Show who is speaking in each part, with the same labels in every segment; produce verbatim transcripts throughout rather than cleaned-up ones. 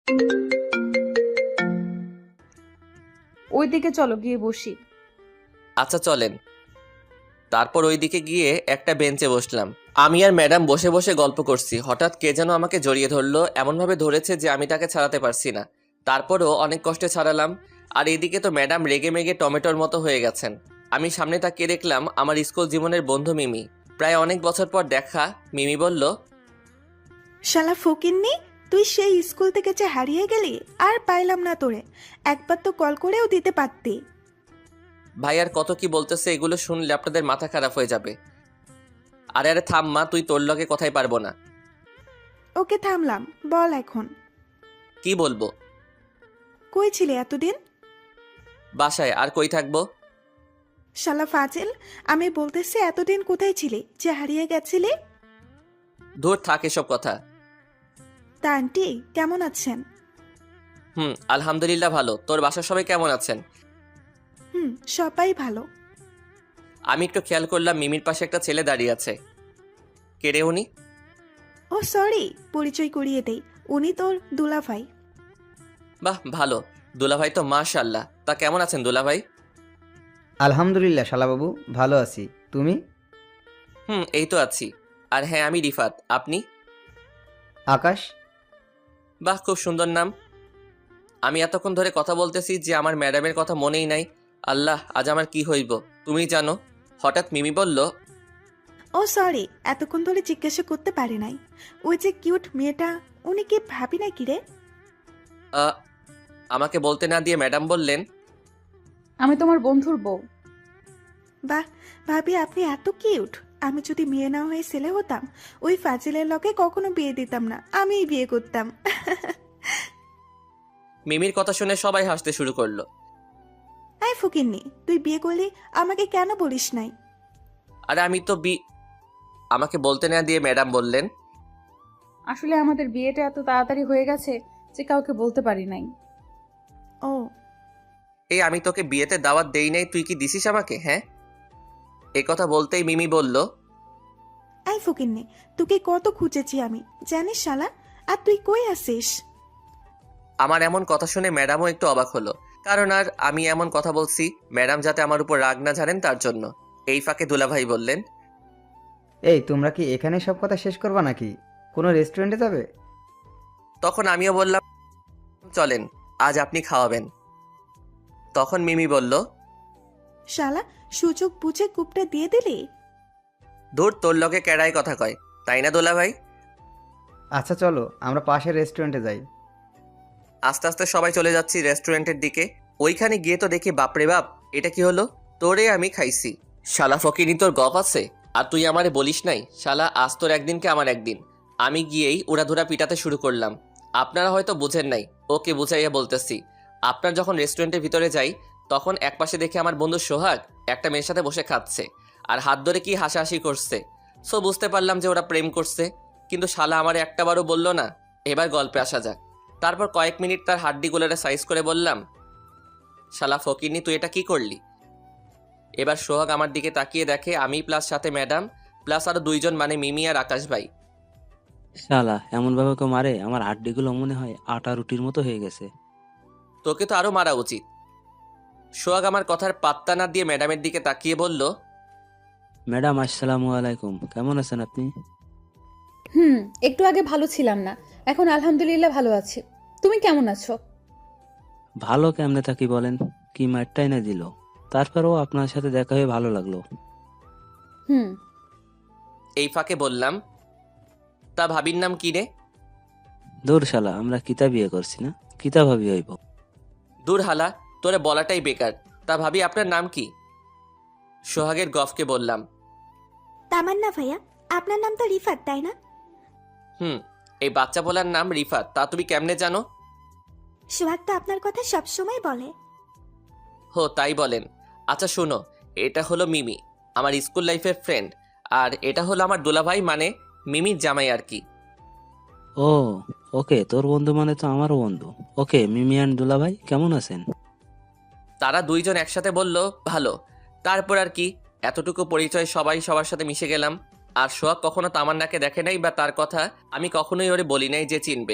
Speaker 1: ওইদিকে চলো, গিয়ে বসি।
Speaker 2: আচ্ছা চলেন। তারপর ওইদিকে গিয়ে একটা বেঞ্চে বসলাম। আমি আর ম্যাডাম বসে বসে গল্প করছি। হঠাৎ কে যেন আমাকে জড়িয়ে ধরলো, এমনভাবে ধরেছে যে আমি তাকে ছাড়াতে পারছি না। তারপরও অনেক কষ্টে ছাড়ালাম। আর এদিকে তো ম্যাডাম রেগে মেগে টমেটোর মতো হয়ে গেছেন। আমি সামনে তাকিয়ে দেখলাম আমার স্কুল জীবনের বন্ধু মিমি। প্রায় অনেক বছর পর দেখা। মিমি বলল,
Speaker 3: শালা ফকিন্নি, তুই সেই স্কুল থেকে যে হারিয়ে গেলি আর পাইলাম না তোরে। একবার তো কল করেও দিতে পারতি।
Speaker 2: ভাই আর কত কি বলতেছে, এগুলো শুনলে আপনাদের মাথা খারাপ হয়ে যাবে। আরে আরে থাম মা, তুই তোর লগে কথাই পারবো না।
Speaker 3: ওকে থামলাম, বল এখন।
Speaker 2: কি বলবো?
Speaker 3: কই ছিলে এতদিন?
Speaker 2: বাসায়। আর কই থাকবো?
Speaker 3: শালা ফাজিল, আমি বলতেছি এতদিন কোথায় ছিলি যে হারিয়ে গেছিলি?
Speaker 2: দূর থাক এসব কথা।
Speaker 3: তা আন্টি কেমন আছেন?
Speaker 2: হুম আলহামদুলিল্লাহ ভালো। তোর বাসার সবাই কেমন আছেন?
Speaker 3: হুম, সবাই ভালো।
Speaker 2: আমি একটু খেয়াল করলাম মিমির পাশে একটা ছেলে দাঁড়িয়ে আছে। কে রে উনি?
Speaker 3: ও সরি, পরিচয় করিয়ে দেই, উনি তোর দুলাভাই।
Speaker 2: বাহ ভালো। দুলাভাই তো মাশাআল্লাহ। তা কেমন আছেন দুলাভাই?
Speaker 4: আলহামদুলিল্লাহ শালাবাবু, ভালো আছি। তুমি?
Speaker 2: হুম এই তো আছি। আর হ্যাঁ আমি রিফাত। আপনি?
Speaker 4: আকাশ।
Speaker 2: বাহ খুব সুন্দর নাম। আমি এতক্ষণ ধরে কথা বলতেছি যে আমার ম্যাডামের কথা মনেই নাই। আল্লাহ আজ আমার কি হইব তুমি জানো। হঠাৎ মিমি বলল,
Speaker 3: ও সরি, এতক্ষণ ধরে জিজ্ঞাসা করতে পারি নাই। ওই যে কিউট মেয়েটা, উনি কি ভাবি নাকি রে?
Speaker 2: "আ, আমাকে বলতে না দিয়ে ম্যাডাম বললেন,
Speaker 1: আমি তোমার বন্ধুর বউ।
Speaker 3: বাহ, ভাবি আপনি এত কিউট। আমি যদি মেয়ে না হয়ে ছেলে হতাম, ওই ফাজিলের লগে কখনো বিয়ে দিতাম না, আমিই বিয়ে করতাম।
Speaker 2: মিমির কথা শুনে সবাই হাসতে শুরু করলো।
Speaker 3: আই ফকিন্নি, তুই বিয়ে করলি, আমাকে কেন বলিস নাই?
Speaker 2: আরে আমি তো বি আমাকে বলতে না দিয়ে ম্যাডাম বললেন,
Speaker 1: আসলে আমাদের বিয়েটা এত তাড়াতাড়ি হয়ে গেছে যে কাউকে বলতে পারি নাই।
Speaker 3: ও
Speaker 2: এই আমি তোকে বিয়েতে দাওয়াত দেই নাই, তুই কি দিছিস আমাকে? হ্যাঁ। এ কথা বলতেই মিমি বলল,
Speaker 3: আই ফকিন্নি, তোকে কত খুঁজেছি আমি, জানিস শালা। আর তুই কই আসিস?
Speaker 2: আমার এমন কথা শুনে ম্যাডামও একটু অবাক হলো। কারণ আর আমি এমন কথা বলছি ম্যাডাম যাতে আমার উপর রাগ না ঝাড়েন তার জন্য। এই ফাঁকে দুলাভাই বললেন,
Speaker 4: এই তোমরা কি এখানে সব কথা শেষ করবা নাকি কোনো রেস্টুরেন্টে যাবে?
Speaker 2: তখন আমিও বললাম, চলেন আজ আপনি খাওয়াবেন। তখন মিমি বলল,
Speaker 3: শালা, সুযোগ বুঝে কূপটা দিয়ে দিলি।
Speaker 2: ধুর তোর লগে কেড়াই কথা কয়, তাই না দুলাভাই?
Speaker 4: আচ্ছা চলো আমরা পাশের রেস্টুরেন্টে যাই।
Speaker 2: আস্তে আস্তে সবাই চলে যাচ্ছি রেস্টুরেন্টের দিকে। ওইখানে গিয়ে তো দেখি বাপরে বাপ, এটা কি হলো? তোরে আমি খাইছি। শালা ফকিনি তোর গপ আছে? আর তুই আমারে বলিস নাই? শালা আজ তোর একদিনকে আমার একদিন। আমি গিয়েই উড়াধুরা পিটাতে শুরু করলাম। আপনারা হয়তো বুঝেন নাই, ওকে বুঝাইয়া বলতেছি। আপনার যখন রেস্টুরেন্টের ভিতরে যাই তখন একপাশে দেখে আমার বন্ধু সোহাগ একটা মেয়ের সাথে বসে খাচ্ছে আর হাত ধরে কি হাসাহাসি করছে। সো বুঝতে পারলাম যে ওরা প্রেম করছে। কিন্তু শালা আমারে একটাবারও বললো না। এবার গল্পে আসা যাক। তারপর কয়েক মিনিট তার হাড্ডিগুলোরে সাইজ করে বললাম, শালা ফকিরনি তুই এটা কি করলি? এবার সোহাগ আমার দিকে তাকিয়ে দেখে আমি প্লাস সাথে ম্যাডাম প্লাস আরো দুইজন, মানে মিমি আর আকাশ ভাই।
Speaker 5: শালা এমন ভাবে কেউ মারে, আমার হাড্ডিগুলো মনে হয় আটা রুটির মতো হয়ে গেছে।
Speaker 2: তোকে তো আরো মারা উচিত। সোহাগ আমার কথার পাত্তা না দিয়ে ম্যাডামের দিকে তাকিয়ে বলল,
Speaker 5: ম্যাডাম আসসালামু আলাইকুম, কেমন আছেন আপনি?
Speaker 1: হুম, একটু আগে ভালো ছিলাম না, এখন আলহামদুলিল্লাহ ভালো আছি। তুমি কেমন আছো?
Speaker 5: ভালো কেমনে থাকি বলেন, কি মারটাই না দিল। তারপরেও আপনার সাথে দেখা হয়ে ভালো লাগলো।
Speaker 1: হুম।
Speaker 2: এই ফাঁকে বললাম, তা ভাবির নাম কি রে?
Speaker 5: দূর শালা, আমরা কিতা বিয়ে করছি না, কিতা ভাবি হইব।
Speaker 2: দূর হালা, তোরে বলাটাই বেকার। তা ভাবি আপনার নাম কি? সোহাগের গফকে বললাম।
Speaker 3: তামান্না ভাইয়া, আপনার নাম তো রিফাত, তাই না?
Speaker 2: হুম, এই বাচ্চা বলার নাম রিফাত। তা তুমি কেমনে জানো?
Speaker 3: সোহাগ তো আপনার কথা সবসময় বলে।
Speaker 2: হো তাই বলেন। আচ্ছা শোনো, এটা হলো মিমি, আমার স্কুল লাইফের ফ্রেন্ড। আর এটা হলো আমার দুলাভাই, মানে মিমির জামাই আর কি।
Speaker 5: ও ওকে, তোর বন্ধু মানে তো আমারও বন্ধু। ওকে মিমি অ্যান্ড দুলা ভাই, কেমন আছেন?
Speaker 2: তারা দুইজন একসাথে বলল, ভালো। তারপর আর কি, এতটুকু পরিচয়, সবাই সবার সাথে মিশে গেলাম। আর সোহাগ কখনো তামান্নাকে দেখে নাই বা তার কথা আমি কখনোই ওরে বলি নাই যে চিনবে।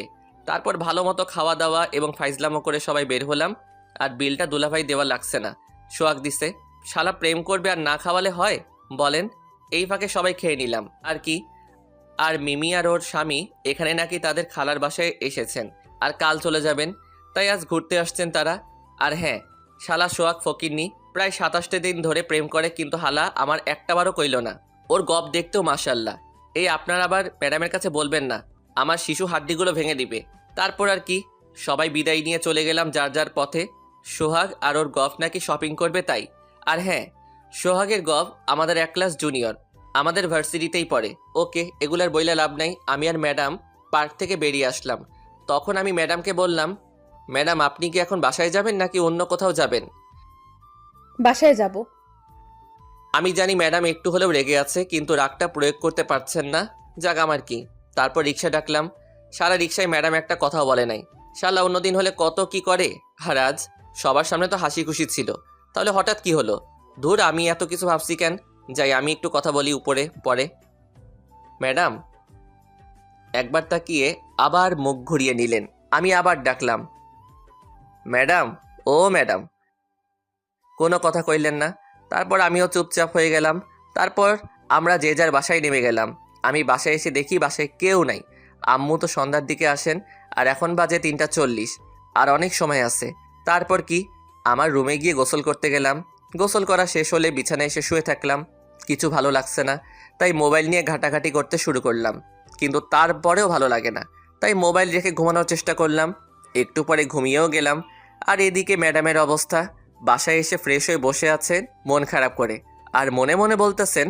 Speaker 2: তারপর ভালো মতো খাওয়া দাওয়া এবং ফাইজলামো করে সবাই বের হলাম। আর বিলটা দুলাভাই দেওয়া লাগছে না, সোহাগ দিছে। শালা প্রেম করবে আর না খাওয়ালে হয় বলেন? এই ফাঁকে সবাই খেয়ে নিলাম আর কি। আর মিমি আর ওর স্বামী এখানে নাকি তাদের খালার বাসায় এসেছেন আর কাল চলে যাবেন, তাই আজ ঘুরতে আসছেন তারা। আর হ্যাঁ, শালা সোহাগ ফকিরনি প্রায় সাতাশটা দিন ধরে প্রেম করে, কিন্তু হালা আমার একটাবারও কইল না। ওর গপ দেখতেও মাশাল্লাহ। এই আপনার আবার ম্যাডামের কাছে বলবেন না, আমার শিশু হাড্ডিগুলো ভেঙে দিবে। তারপর আর কি, সবাই বিদায় নিয়ে চলে গেলাম যার যার পথে। সোহাগ আর ওর গফ নাকি শপিং করবে তাই। আর হ্যাঁ, সোহাগের গফ আমাদের এক ক্লাস জুনিয়র, আমাদের ভার্সিটিতেই পড়ে। ওকে, এগুলার বইলা লাভ নাই। আমি আর ম্যাডাম পার্ক থেকে বেরিয়ে আসলাম। তখন আমি ম্যাডামকে বললাম, ম্যাডাম আপনি কি এখন বাসায় যাবেন নাকি অন্য কোথাও যাবেন?
Speaker 1: বাসায় যাব।
Speaker 2: আমি জানি ম্যাডাম একটু হলেও রেগে আছে, কিন্তু রাগটা প্রয়োগ করতে পারছেন না। যাক আমার কি। তারপর রিক্সা ডাকলাম। সারা রিক্সায় ম্যাডাম একটা কথাও বলে নাই। শালা অন্যদিন হলে কত কি করে, আর আজ সবার সামনে তো হাসি খুশি ছিল। তাহলে হঠাৎ কি হলো? ধুর, আমি এত কিছু ভাবছি কেন। যাই, আমি একটু কথা বলি উপরে পরে। ম্যাডাম একবার তাকিয়ে আবার মুখ ঘুরিয়ে নিলেন। আমি আবার ডাকলাম, ম্যাডাম, ও ম্যাডাম। কোনো কথা কইলেন না। তারপর আমিও চুপচাপ হয়ে গেলাম। তারপর আমরা যে যার বাসায় নেমে গেলাম। আমি বাসায় এসে দেখি বাসায় কেউ নাই। আম্মু তো সন্ধ্যার দিকে আসেন, আর এখন বাজে তিনটা চল্লিশ, আর অনেক সময় আছে। তারপর কি, আমার রুমে গিয়ে গোসল করতে গেলাম। গোসল করা শেষ হলে বিছানায় এসে শুয়ে থাকলাম। কিছু ভালো লাগছে না, তাই মোবাইল নিয়ে ঘাটাঘাটি করতে শুরু করলাম। কিন্তু তারপরেও ভালো লাগে না, তাই মোবাইল রেখে ঘুমানোর চেষ্টা করলাম। একটু পরে ঘুমিয়েও গেলাম। আর এদিকে ম্যাডামের অবস্থা, বাসায় এসে ফ্রেশ হয়ে বসে আছেন মন খারাপ করে, আর মনে মনে বলতেছেন,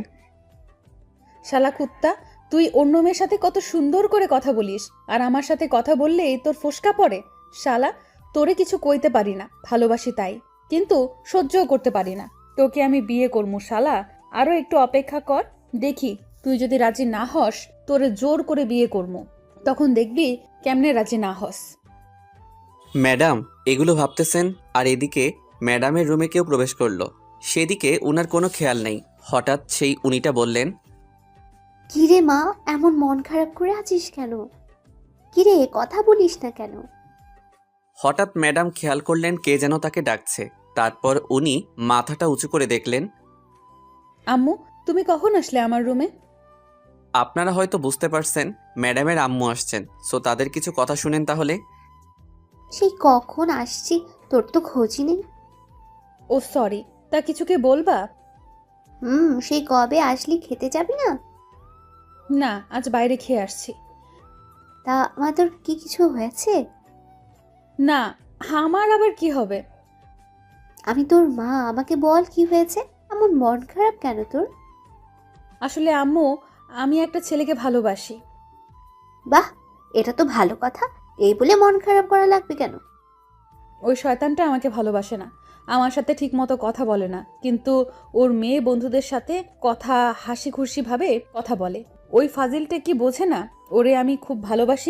Speaker 1: শালা কুত্তা, তুই অন্য মেয়ের সাথে কত সুন্দর করে কথা বলিস, আর আমার সাথে কথা বললেই তোর ফোসকা পড়ে। শালা, তোরে কিছু কইতে পারি না, ভালোবাসি তাই, কিন্তু সহ্যও করতে পারি না। তোকে আমি বিয়ে করবো শালা, আরও একটু অপেক্ষা কর, দেখি তুই যদি রাজি না হস তোরে জোর করে বিয়ে করবো, তখন দেখবি কেমনে রাজি না হস।
Speaker 6: ম্যাডাম এগুলো ভাবতেছেন, আর এদিকে ম্যাডামের রুমে কেউ প্রবেশ করলো। সেদিকে উনার কোনো খেয়াল নেই। হঠাৎ সেই উনিটা বললেন,
Speaker 7: কিরে মা, এমন মন খারাপ করে আছিস কেন? কিরে, কথা বলিস না কেন?
Speaker 6: হঠাৎ ম্যাডাম খেয়াল করলেন কে যেন তাকে ডাকছে। তারপর উনি মাথাটা উঁচু করে দেখলেন।
Speaker 1: আম্মু, তুমি কখন আসলে আমার রুমে?
Speaker 6: আপনারা হয়তো বুঝতে পারছেন ম্যাডামের আম্মু আসছেন, সো তাদের কিছু কথা শুনেন তাহলে।
Speaker 7: সেই কখন আসছি, তোর তো খোঁজই নেই।
Speaker 1: ও সরি, তা কিছুকে বলবা?
Speaker 7: হুম, সেই কবে আসলি, খেতে যাবি না?
Speaker 1: না, আজ বাইরে খেয়ে আসছি।
Speaker 7: তা মা, তোর কি কিছু হয়েছে?
Speaker 1: না, আমার আবার কি হবে?
Speaker 7: আমি তোর মা, আমাকে বল কি হয়েছে, এমন মন খারাপ কেন তোর?
Speaker 1: আসলে আম্মু, আমি একটা ছেলেকে ভালোবাসি।
Speaker 7: বাহ, এটা তো ভালো কথা। এই বলে মন খারাপ করা লাগবে কেন?
Speaker 1: ওই শয়তানটা আমাকে ভালোবাসে না, আমার সাথে ঠিকমতো কথা বলে না, কিন্তু ওর মেয়ে বন্ধুদের সাথে কথা হাসি খুশি ভাবে কথা বলে। ওই ফাজিলটা কি বোঝে না ওরে আমি খুব ভালোবাসি?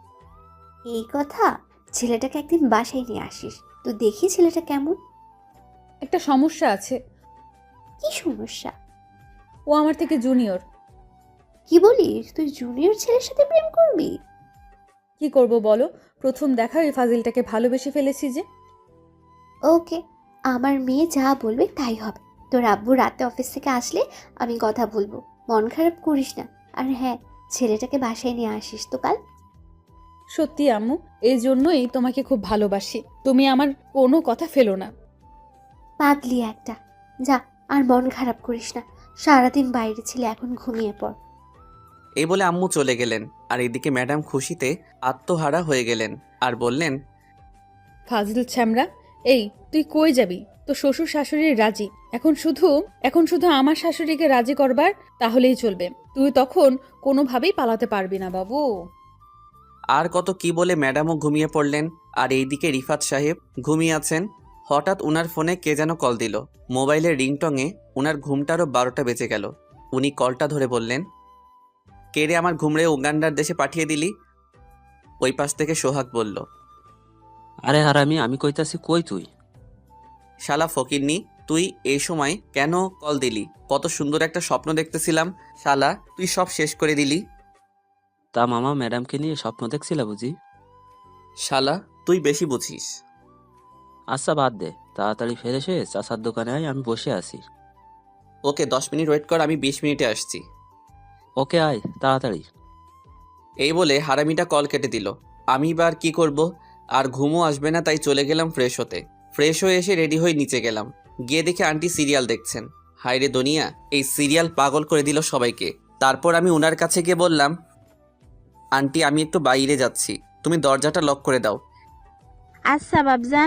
Speaker 7: এই কথা, ছেলেটাকে একদিন বাসায় নিয়ে আসিস তো দেখি ছেলেটা কেমন।
Speaker 1: একটা সমস্যা আছে,
Speaker 7: কি সমস্যা?
Speaker 1: ও আমার থেকে জুনিয়র।
Speaker 7: কি বলিস, তুই জুনিয়র ছেলের সাথে প্রেম করবি?
Speaker 1: কি করব বলো, প্রথম দেখা ওই ফাজিলটাকে ভালোবেসে ফেলেছি যে।
Speaker 7: ওকে, আমার মেয়ে যা বলবে তাই হবে। তোর আব্বু রাতে অফিস থেকে আসলে আমি কথা বলবো, মন খারাপ করিস না। আর হ্যাঁ, ছেলেটাকে বাসায় নিয়ে আসিস তো কাল।
Speaker 1: সত্যি আম্মু, এই জন্যই তোমাকে খুব ভালোবাসি, তুমি আমার কোনো কথা ফেলো না।
Speaker 7: পাগলি একটা, যা আর মন খারাপ করিস না। সারাদিন বাইরে ছিলে, এখন ঘুমিয়ে পড়।
Speaker 6: এই বলে আম্মু চলে গেলেন। আর এদিকে ম্যাডাম খুশিতে আত্মহারা হয়ে গেলেন আর বললেন,
Speaker 1: ফাজিল ছ্যামরা, এই তুই কই যাবি? তো শ্বশুর শাশুড়ি রাজি, এখন শুধু এখন শুধু আমার শাশুড়িকে রাজি করবার, তাহলেই চলবে। তুই তখন কোনোভাবেই পালাতে পারবি না বাবু।
Speaker 6: আর কত কি বলে ম্যাডামও ঘুমিয়ে পড়লেন। আর এইদিকে রিফাত সাহেব ঘুমিয়ে আছেন। হঠাৎ উনার ফোনে কে যেন কল দিল। মোবাইলের রিংটংয়ে উনার ঘুমটারও বারোটা বেজে গেল। উনি কলটা ধরে বললেন, কে রে আমার ঘুমড়ে উগান্ডার দেশে পাঠিয়ে দিলি? ওই পাশ থেকে সোহাগ বলল,
Speaker 5: আরে হারামি, আমি কইতাছি কই তুই?
Speaker 6: শালা ফকিরনি, তুই এই সময় কেন কল দিলি? কত সুন্দর একটা স্বপ্ন দেখতেছিলাম, শালা তুই সব শেষ করে দিলি।
Speaker 5: তা মামা, ম্যাডামকে নিয়ে স্বপ্ন দেখছিলা বুঝি?
Speaker 6: শালা তুই বেশি বুঝিস।
Speaker 5: আচ্ছা বাদ দে, তাড়াতাড়ি ফ্রেশ হয়ে চাচার দোকানে আয়, আমি বসে আছি।
Speaker 6: ওকে দশ মিনিট ওয়েট কর, আমি বিশ মিনিটে আসছি।
Speaker 5: ওকে আয় তাড়াতাড়ি।
Speaker 6: এই বলে হারামিটা কল কেটে দিল। আমি এবার কি করব, আর ঘুমও আসবে না, তাই চলে গেলাম ফ্রেশ হতে। ফ্রেশ হয়ে এসে রেডি হয়ে নিচে গেলাম। গিয়ে দেখে আন্টি সিরিয়াল দেখছেন। হায়রে দুনিয়া, এই সিরিয়াল পাগল করে দিল সবাইকে। তারপর আমি ওনার কাছে গিয়ে বললাম, আন্টি আমি একটু বাইরে যাচ্ছি, তুমি দরজাটা লক করে দাও।
Speaker 8: আচ্ছা বাবজান।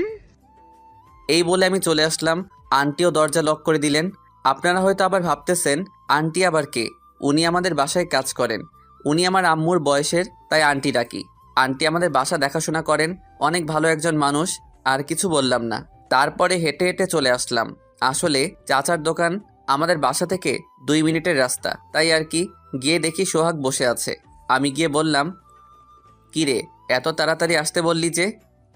Speaker 6: এই বলে আমি চলে আসলাম। আন্টিও দরজা লক করে দিলেন। আপনারা হয়তো আবার ভাবতেছেন আন্টি আবার কে? উনি আমাদের বাসায় কাজ করেন। উনি আমার আম্মুর বয়সের, তাই আন্টি ডাকি। আন্টি আমাদের বাসা দেখাশোনা করেন, অনেক ভালো একজন মানুষ। আর কিছু বললাম না। তারপরে হেঁটে হেঁটে চলে আসলাম। আসলে চাচার দোকান আমাদের বাসা থেকে দুই মিনিটের রাস্তা, তাই আর কি। গিয়ে দেখি সোহাগ বসে আছে। আমি গিয়ে বললাম, কি রে এত তাড়াতাড়ি আসতে বললি যে?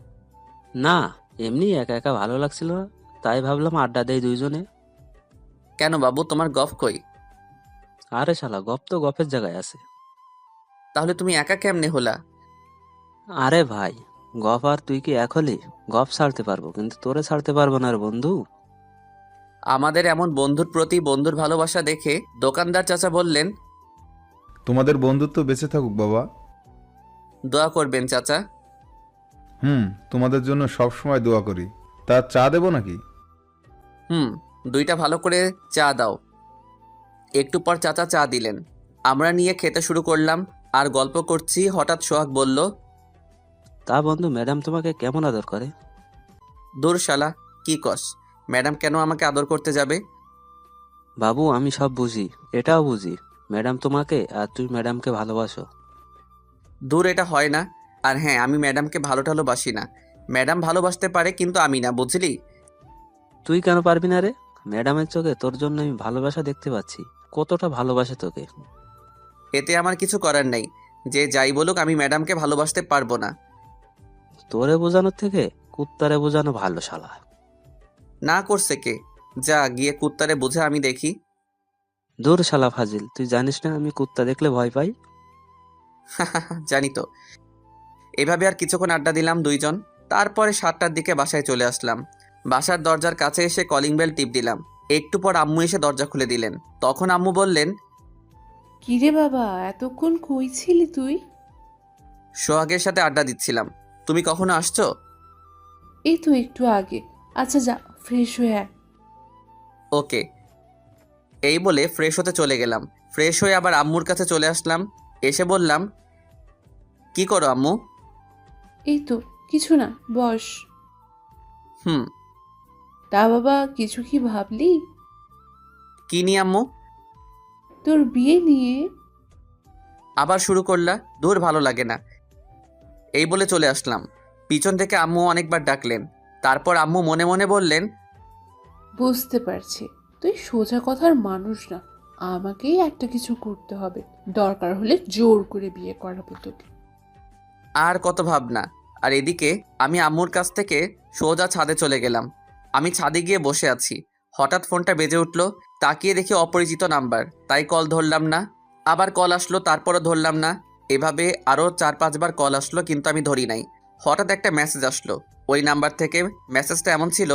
Speaker 5: না, এমনি একা একা ভালো লাগছিল না, তাই ভাবলাম আড্ডা দেই দুইজনে।
Speaker 6: কেন বাবু, তোমার গফ কই?
Speaker 5: আরে শালা, গপ তো গপের জায়গায় আছে।
Speaker 6: তাহলে তুমি একা কেমনে হলা?
Speaker 5: আরে ভাই, গপ আর তুই কি এক হলি? গপ ছাড়তে পারবো, কিন্তু তোরে ছাড়তে পারবো না রে বন্ধু।
Speaker 6: আমাদের এমন বন্ধুর প্রতি বন্ধুর ভালোবাসা দেখে দোকানদার চাচা বললেন,
Speaker 9: তোমাদের বন্ধুত্ব বেঁচে থাকুক বাবা।
Speaker 6: দোয়া করবেন চাচা।
Speaker 9: হুম, তোমাদের জন্য সব সময় দোয়া করি। তা চা দেবো নাকি?
Speaker 6: হুম, দুইটা ভালো করে চা দাও। একটু পর চাচা চা দিলেন। আমরা নিয়ে খেতে শুরু করলাম আর গল্প করছি। হঠাৎ সোহাগ বলল,
Speaker 5: তা বন্ধু, ম্যাডাম তোমাকে কেমন আদর করে?
Speaker 6: দূর শালা, কি কস? ম্যাডাম কেন আমাকে আদর করতে যাবে?
Speaker 5: বাবু আমি সব বুঝি, এটাও বুঝি ম্যাডাম তোমাকে আর তুই ম্যাডামকে ভালোবাসো।
Speaker 6: দূর, এটা হয় না। আর হ্যাঁ, আমি ম্যাডামকে ভালো টালোবাসি না। ম্যাডাম ভালোবাসতে পারে, কিন্তু আমি না, বুঝলি?
Speaker 5: তুই কেন পারবি না রে? ম্যাডামের চোখে তোর জন্য আমি ভালোবাসা দেখতে পাচ্ছি, কতটা ভালোবাসে তোকে।
Speaker 6: এতে আমার কিছু করার নেই। যে যাই বলুক, আমি ম্যাডামকে ভালোবাসতে পারবো না।
Speaker 5: তোরে বোঝানোর থেকে কুত্তারে বোঝানো ভালো শালা।
Speaker 6: না করছে কে? যা গিয়ে কুত্তারে বুঝে আমি দেখি।
Speaker 5: দূর শালা ফাজিল, তুই জানিস না আমি কুত্তা দেখলে ভয় পাই?
Speaker 6: জানি তো। এভাবে আর কিছুক্ষণ আড্ডা দিলাম দুইজন। তারপরে সাতটার দিকে বাসায় চলে আসলাম। বাসার দরজার কাছে এসে কলিং বেল টিপ দিলাম। একটু পর আম্মু এসে দরজা খুলে দিলেন। তখন আম্মু বললেন,
Speaker 10: কিরে বাবা, এতক্ষণ কই ছিলি তুই?
Speaker 6: সোহাগের সাথে আড্ডা দিচ্ছিলাম। তুমি কখনো আসছো?
Speaker 10: এই তো একটু আগে। আচ্ছা যা, ফ্রেশ হয়ে আয়।
Speaker 6: ওকে। এই বলে ফ্রেশ হতে চলে গেলাম। ফ্রেশ হয়ে আবার আম্মুর কাছে চলে আসলাম। এসে বললাম, কি করো আম্মু?
Speaker 10: এই তো কিছু না, বস।
Speaker 6: হুম।
Speaker 10: তা বাবা, কিছু কি ভাবলি?
Speaker 6: কি নিয়ে আম্মু?
Speaker 10: তোর বিয়ে নিয়ে।
Speaker 6: আবার শুরু করলা? দূর, ভালো লাগে না। এই বলে চলে আসলাম। পিছন থেকে আম্মু অনেকবার ডাকলেন। তারপর আম্মু মনে মনে বললেন,
Speaker 10: বুঝতে পারছি তুই সোজা কথার মানুষ না, আমাকেই একটা কিছু করতে হবে, দরকার হলে জোর করে বিয়ে করাবো তোকে।
Speaker 6: আর কত ভাবনা। আর এদিকে আমি আম্মুর কাছ থেকে সোজা ছাদে চলে গেলাম। আমি ছাদে গিয়ে বসে আছি। হঠাৎ ফোনটা বেজে উঠল। তাকিয়ে দেখি অপরিচিত নাম্বার, তাই কল ধরলাম না। আবার কল আসলো, তারপরও ধরলাম না। এভাবে আরও চার পাঁচবার কল আসলো, কিন্তু আমি ধরি নাই। হঠাৎ একটা মেসেজ আসলো ওই নাম্বার থেকে। মেসেজটা এমন ছিল,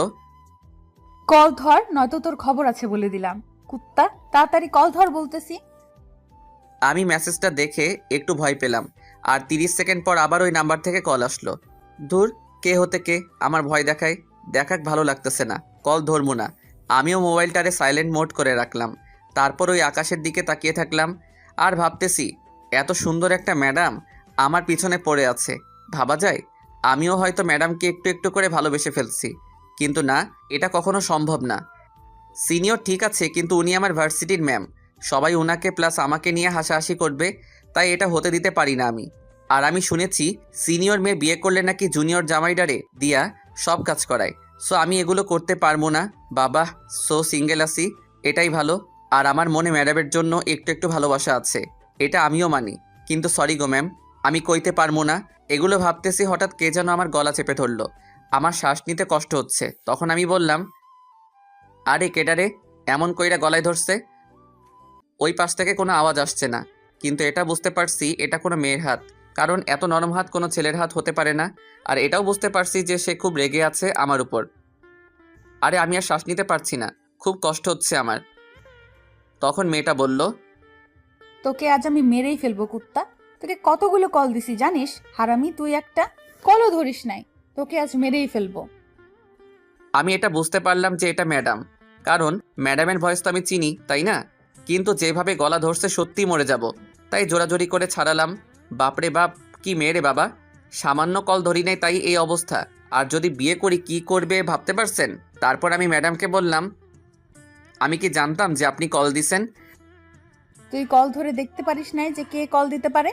Speaker 1: কল ধর, নয়তো তোর খবর আছে বলে দিলাম। কুত্তা, তাড়াতাড়ি কল ধর বলতেছি।
Speaker 6: আমি মেসেজটা দেখে একটু ভয় পেলাম। আর তিরিশ সেকেন্ড পর আবার ওই নাম্বার থেকে কল আসলো। ধুর, কে হতে কে আমার ভয় দেখায়। দেখাক ভালো লাগতেছে না, কল ধরবো না। আমিও মোবাইলটারে সাইলেন্ট মোড করে রাখলাম। তারপর ওই আকাশের দিকে তাকিয়ে থাকলাম আর ভাবতেছি, এত সুন্দর একটা ম্যাডাম আমার পিছনে পড়ে আছে। ভাবা যায় আমিও হয়তো ম্যাডামকে একটু একটু করে ভালোবেসে ফেলছি। কিন্তু না, এটা কখনো সম্ভব না। সিনিয়র ঠিক আছে, কিন্তু উনি আমার ভার্সিটির ম্যাম। সবাই ওনাকে প্লাস আমাকে নিয়ে হাসাহাসি করবে, তাই এটা হতে দিতে পারি না আমি। আর আমি শুনেছি সিনিয়র মেয়ে বিয়ে করলে নাকি জুনিয়র জামাইডারে দিয়া সব কাজ করায়। সো আমি এগুলো করতে পারবো না। বাবা, সো সিঙ্গেল আছি, এটাই ভালো। আর আমার মনে ম্যাডামের জন্য একটু একটু ভালোবাসা আছে, এটা আমিও মানি। কিন্তু সরি গো ম্যাম, আমি কইতে পারবো না। এগুলো ভাবতেছি, হঠাৎ কে যেন আমার গলা চেপে ধরলো। আমার শ্বাস নিতে কষ্ট হচ্ছে। তখন আমি বললাম, আরে কেডারে এমন কইরা গলায় ধরছে? ওই পাশ থেকে কোনো আওয়াজ আসছে না, কিন্তু এটা বুঝতে পারছি এটা কোনো মেয়ের হাত। কারণ এত নরম হাত কোনো ছেলের হাত হতে পারে না। আর এটাও বুঝতে পারছি যে সে খুব রেগে আছে আমার উপর। আরে আমি আর শ্বাস নিতে পারছি না, খুব কষ্ট হচ্ছে আমার। তখন মেয়েটা বলল,
Speaker 1: তোকে আজ আমি মেরেই ফেলবো কুত্তা। তোকে কতগুলো কল দিছি জানিস হারামি তুই একটা, কলও ধরিস নাই। তোকে আজ মেরেই ফেলবো।
Speaker 6: আমি এটা বুঝতে পারলাম যে এটা ম্যাডাম, কারণ ম্যাডামের ভয়েস তো আমি চিনি, তাই না? কিন্তু যেভাবে গলা ধরছে সত্যিই মরে যাব, তাই জোরাজোরি করে ছাড়ালাম। বাপরে বাপ, কি মেয়ে রে বাবা! সামান্য কল ধরি নাই তাই এই অবস্থা। আর যদি বিয়ে করি কি করবে ভাবতে পারছেন? তারপর আমি ম্যাডামকে বললাম, আমি কি জানতাম যে আপনি কল দিছেন?
Speaker 1: তুই কল ধরে দেখতে পারিস নাই যে কে কল দিতে পারে?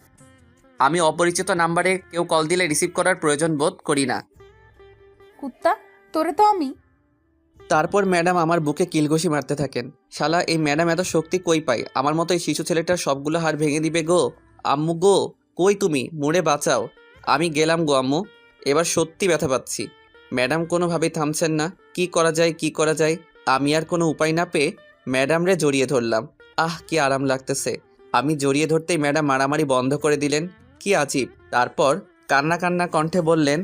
Speaker 6: আমি অপরিচিত নাম্বারে কেউ কল দিলে রিসিভ করার প্রয়োজন বোধ করি না।
Speaker 1: কুত্তা, তোরে তো আমি।
Speaker 6: তারপর ম্যাডাম আমার বুকে কিলঘুষি মারতে থাকেন। শালা এই ম্যাডাম এত শক্তি কই পায়? আমার মতো এই শিশু ছেলেটার সবগুলো হাড় ভেঙে দিবে গো। আম্মু গো, কই তুমি? মুড়ে বাঁচাও। আমি গেলাম গো আম্মু, এবার সত্যি ব্যথা পাচ্ছি। ম্যাডাম কোনোভাবেই থামছেন না। কি করা যায় কি করা যায়? আমি আর কোনো উপায় না পেয়ে ম্যাডামরে জড়িয়ে ধরলাম। আহ কি আরাম লাগতেছে। আমি জড়িয়ে ধরতেই ম্যাডাম মারামারি বন্ধ করে দিলেন। কি আজীব। তারপর কান্না কান্না কণ্ঠে বললেন,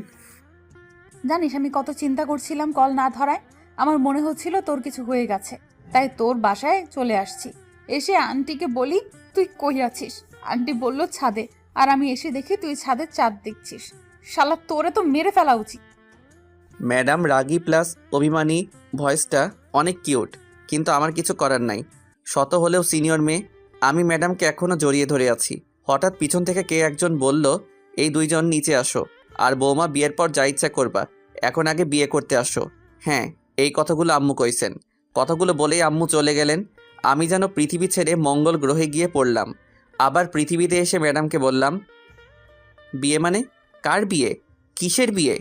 Speaker 1: জানিস আমি কত চিন্তা করছিলাম কল না ধরায়। আমার মনে হচ্ছিল তোর কিছু হয়ে গেছে, তাই তোর বাসায় চলে আসছি। এসে আন্টিকে বলি তুই কই আছিস। আন্টি বলল ছাদে, আর আমি এসে দেখি তুই ছাদে চাঁদ দেখছিস। শালা তোরে তো মেরে ফেলা উচিত।
Speaker 6: ম্যাডাম রাগী প্লাস অভিমানী, ভয়েসটা অনেক কিউট, কিন্তু আমার কিছু করার নাই। শত হলেও সিনিয়র মেয়ে। আমি ম্যাডামকে এখনও জড়িয়ে ধরে আছি। হঠাৎ পিছন থেকে কে একজন বলল, এই দুইজন নিচে আসো, আর বৌমা বিয়ের পর যা ইচ্ছা করবা, এখন আগে বিয়ে করতে আসো। হ্যাঁ, এই কথাগুলো আম্মু কইছেন। কথাগুলো বলেই আম্মু চলে গেলেন। আমি যেন পৃথিবী ছেড়ে মঙ্গল গ্রহে গিয়ে পড়লাম। আবার পৃথিবীতে এসে ম্যাডামকে বললাম, বিয়ে মানে? কার বিয়ে? কিসের বিয়ে?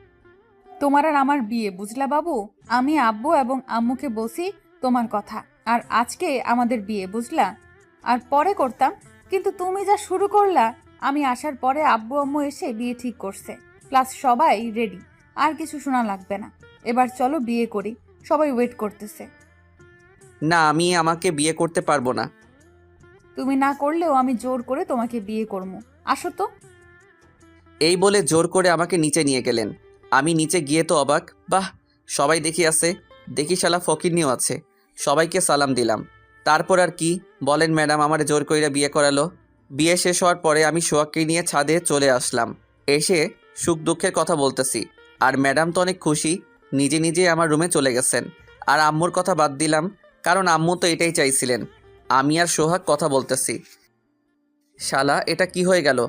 Speaker 1: তোমার আর আমার বিয়ে, বুঝলা বাবু? আমি আব্বু এবং আম্মুকে বলছি তোমার কথা, আর আজকে আমাদের বিয়ে, বুঝলা? আর পরে করতাম, কিন্তু তুমি যা শুরু করলা। আমি আসার পরে আব্বু আম্মু এসে বিয়ে ঠিক করছে, প্লাস সবাই রেডি। আর কিছু শোনা লাগবে না। এবার চলো বিয়ে করি, সবাই ওয়েট করতেছে।
Speaker 6: না, আমি আমাকে বিয়ে করতে পারবো না।
Speaker 1: তুমি না করলেও আমি জোর করে তোমাকে বিয়ে করবো। আসো তো।
Speaker 6: এই বলে জোর করে আমাকে নিচে নিয়ে গেলেন। আমি নিচে গিয়ে তো অবাক। বাহ, সবাই দেখি আছে, দেখি শালা ফকিরনিও আছে। সবাইকে সালাম দিলাম। তারপর আর কি বলেন ম্যাডাম আমার জোর কইরা বিয়ে করালো। বিয়ে শেষ হওয়ার পরে আমি সোহাগকে নিয়ে ছাদে চলে আসলাম। এসে সুখ দুঃখের কথা বলতেছি, আর ম্যাডাম তো অনেক খুশি, নিজে নিজে আমার রুমে চলে গেছেন। আর আম্মুর কথা বাদ দিলাম, কারণ আম্মু তো এটাই চাইছিলেন। আমি আর সোহাগ কথা বলতেছি। শালা এটা কি হয়ে গেল?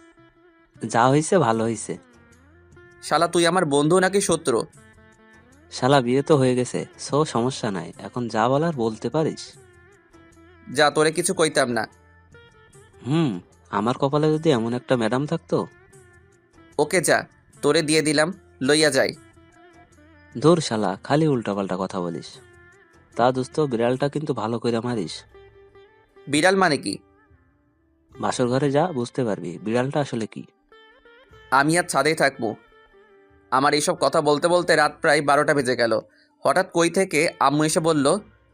Speaker 5: যা হয়েছে ভালো হয়েছে।
Speaker 6: শালা তুই আমার বন্ধু নাকি শত্রু?
Speaker 5: শালা বিয়ে তো হয়ে গেছে, সো সমস্যা নাই। এখন যা বলার বলতে পারিস।
Speaker 6: যা, তোরে কিছু কইতাম না।
Speaker 5: হুম, আমার কপালে যদি এমন একটা ম্যাডাম থাকতো।
Speaker 6: ওকে যা, তোরে দিয়ে দিলাম, লইয়া যাই।
Speaker 5: ধুর শালা, খালি উল্টাপাল্টা কথা বলিস। তা দোস্ত, বিড়ালটা কিন্তু ভালো করে মারিস।
Speaker 6: বিড়াল মানে কি?
Speaker 5: বাসর ঘরে যা, বুঝতে পারবি বিড়ালটা আসলে কি।
Speaker 6: আমি আর ছাদেই থাকবো। আমার এইসব কথা বলতে বলতে রাত প্রায় বারোটা বেজে গেল। হঠাৎ কই থেকে আম্মু এসে বলল,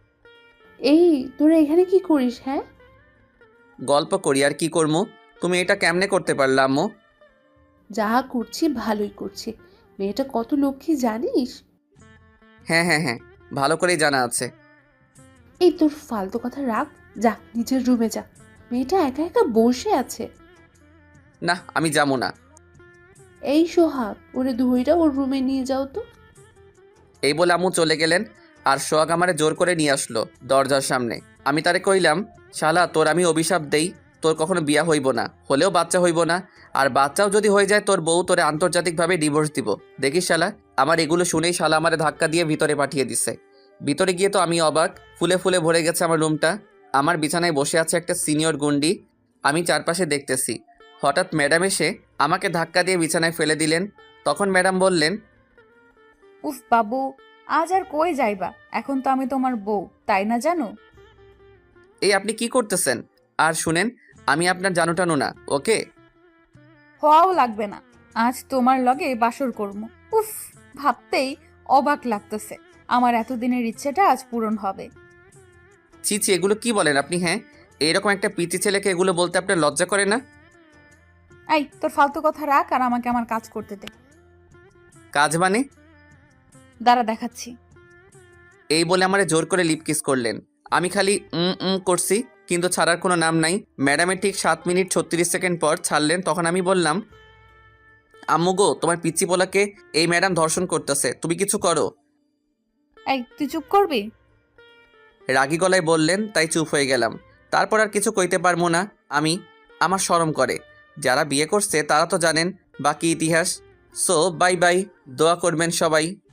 Speaker 10: এই তোরা এখানে কি করিস? হ্যাঁ,
Speaker 6: গল্প করি আর কি করবো। তুমি এটা কেমনে করতে পারলে আম্মু?
Speaker 10: যা করছি ভালোই করছি। মেয়েটা কত লক্ষ্মী জানিস?
Speaker 6: হ্যাঁ হ্যাঁ হ্যাঁ, ভালো করেই জানা আছে।
Speaker 10: এই তোর ফালতু কথা রাখ, যা নিজের রুমে যা। মেয়েটা একা একা বসে আছে।
Speaker 6: না, আমি যাবো না।
Speaker 10: এই সোহাগ, ওরে ধইরা ওর রুমে নিয়ে যাও তো।
Speaker 6: এই বলে আম্মু চলে গেলেন, আর সোহাগ আমারে জোর করে নিয়ে আসলো দরজার সামনে। আমি তারে কইলাম, শালা তোর আমি অভিশাপ দেই, তোর কখনো বিয়া হইব না, হলেও বাচ্চা হইব না। আর বাচ্চাও যদি হয়ে যায় তোর বউ তোরে আন্তর্জাতিকভাবে ডিভোর্স দিব। দেখিস শালা। আমার এগুলো শুনেই শালা আমারে ধাক্কা দিয়ে ভিতরে পাঠিয়ে দিছে। ভিতরে গিয়ে তো আমি অবাক, ফুলে ফুলে ভরে গেছে আমার রুমটা। আমার বিছানায় বসে আছে একটা সিনিয়র গুন্ডি। আমি চারপাশে দেখতেছি। হঠাৎ ম্যাডাম এসে আমাকে ধাক্কা দিয়ে বিছানায় ফেলে দিলেন। তখন ম্যাডাম বললেন,
Speaker 1: উফ বাবু, আজ আর কই যাইবা? এখন তো আমি তোমার বউ, তাই না জানো?
Speaker 6: এই আপনি কি করতেছেন? আর শুনেন, আমি আপনার জানু টানু না, ওকে?
Speaker 1: হওয়াও লাগবে না। আজ তোমার লগে বাসর করবো। উফ, ভাবতেই অবাক লাগতেছে। আমার এতদিনের ইচ্ছেটা আজ পূরণ হবে।
Speaker 6: ছি ছি, এগুলো কি বলেন আপনি? হ্যাঁ, এরকম একটা পিচি ছেলেকে এগুলো বলতে আপনার লজ্জা করে না?
Speaker 1: এই তোর ফালতু কথা রাখ আর আমাকে আমার কাজ করতে দে।
Speaker 6: কাজ মানে?
Speaker 1: দাঁড়া দেখাচ্ছি।
Speaker 6: এই বলে আমারে জোর করে লিপ কিস করলেন। আমি খালি উম উম করছি, কিন্তু ছাড়ার কোনো নাম নাই। ম্যাডামের ঠিক সাত মিনিট ছত্রিশ সেকেন্ড পর ছাড়লেন। তখন আমি বললাম, আম্মু গো, তোমার পিচ্চি পোলাকে এই ম্যাডাম ধর্ষণ করতেছে, তুমি কিছু করো।
Speaker 1: এই তুই চুপ করবি?
Speaker 6: রাগী গলায় বললেন, তাই চুপ হয়ে গেলাম। তারপর আর কিছু কইতে পারবো না আমি। আমার শরম করে। যারা বিয়ে করছে তারা তো জানেন বাকি ইতিহাস। সো বাই বাই, দোয়া করবেন সবাই।